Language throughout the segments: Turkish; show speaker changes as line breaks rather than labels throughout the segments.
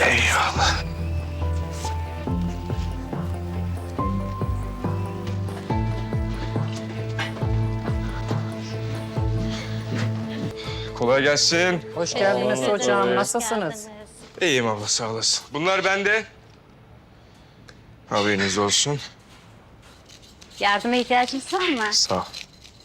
Eyvallah. Kolay gelsin.
Hoş geldiniz hocam. Nasılsınız?
İyiyim abla, sağ olasın. Bunlar bende. Haberiniz olsun.
Yardıma ihtiyacınız var mı?
Sağ ol.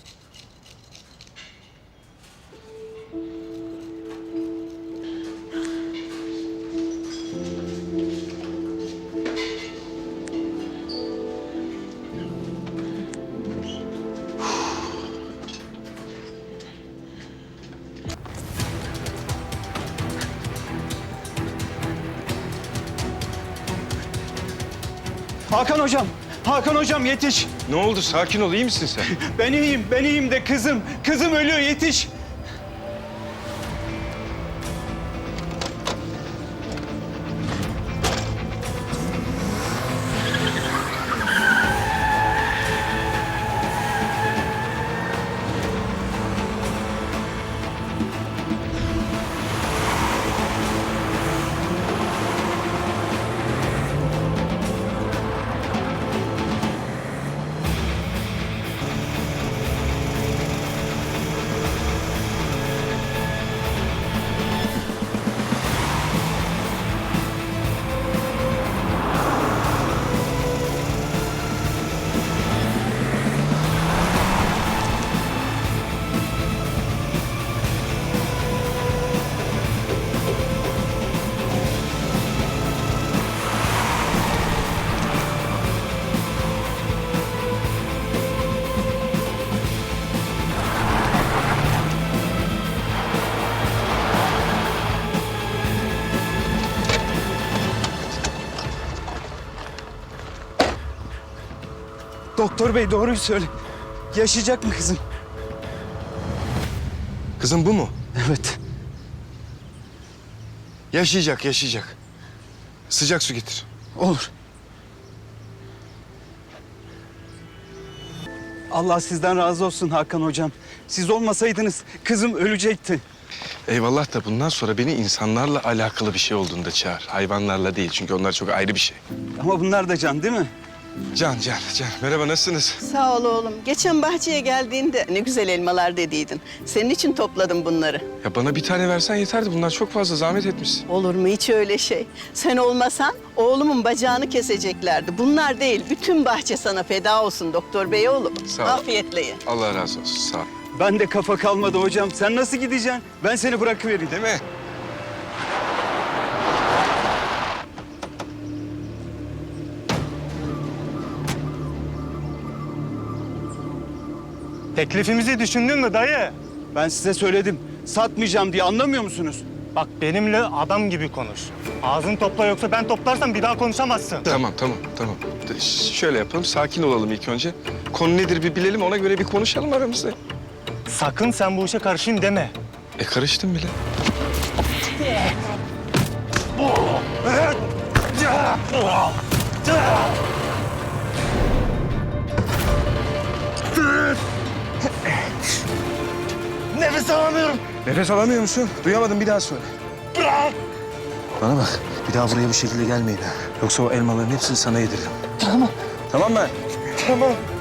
Hakan hocam, Hakan hocam yetiş.
Ne oldu? Sakin ol, iyi misin sen?
Ben iyiyim de kızım ölüyor yetiş. Doktor bey doğruyu söyle. Yaşayacak mı kızım?
Kızım bu mu?
Evet.
Yaşayacak, yaşayacak. Sıcak su getir.
Olur. Allah sizden razı olsun Hakan hocam. Siz olmasaydınız kızım ölecekti.
Eyvallah da bundan sonra beni insanlarla alakalı bir şey olduğunda çağır. Hayvanlarla değil, çünkü onlar çok ayrı bir şey.
Ama bunlar da can değil mi?
Can. Merhaba, nasılsınız?
Sağ ol oğlum. Geçen bahçeye geldiğinde ne güzel elmalar dediydin. Senin için topladım bunları.
Ya bana bir tane versen yeterdi. Bunlar çok fazla, zahmet etmişsin.
Olur mu hiç öyle şey? Sen olmasan oğlumun bacağını keseceklerdi. Bunlar değil, bütün bahçe sana feda olsun doktor bey oğlum.
Sağ ol.
Afiyetle ye.
Allah razı olsun, sağ ol.
Ben de kafa kalmadı hocam. Sen nasıl gideceksin? Ben seni bırakıvereyim.
Değil mi?
Teklifimizi düşündün mü dayı?
Ben size söyledim. Satmayacağım diye anlamıyor musunuz?
Bak benimle adam gibi konuş. Ağzını topla yoksa ben toplarsam bir daha konuşamazsın.
Tamam. Şöyle yapalım, sakin olalım ilk önce. Konu nedir bir bilelim, ona göre bir konuşalım aramızda.
Sakın sen bu işe karışayım deme.
Karıştım bile.
Nefes alamıyorum.
Nefes alamıyor musun? Duyamadım, bir daha söyle.
Bırak.
Bana bak, bir daha buraya bu şekilde gelmeyin ha. Yoksa o elmaların hepsini sana yediririm.
Tamam.
Tamam mı?
Tamam.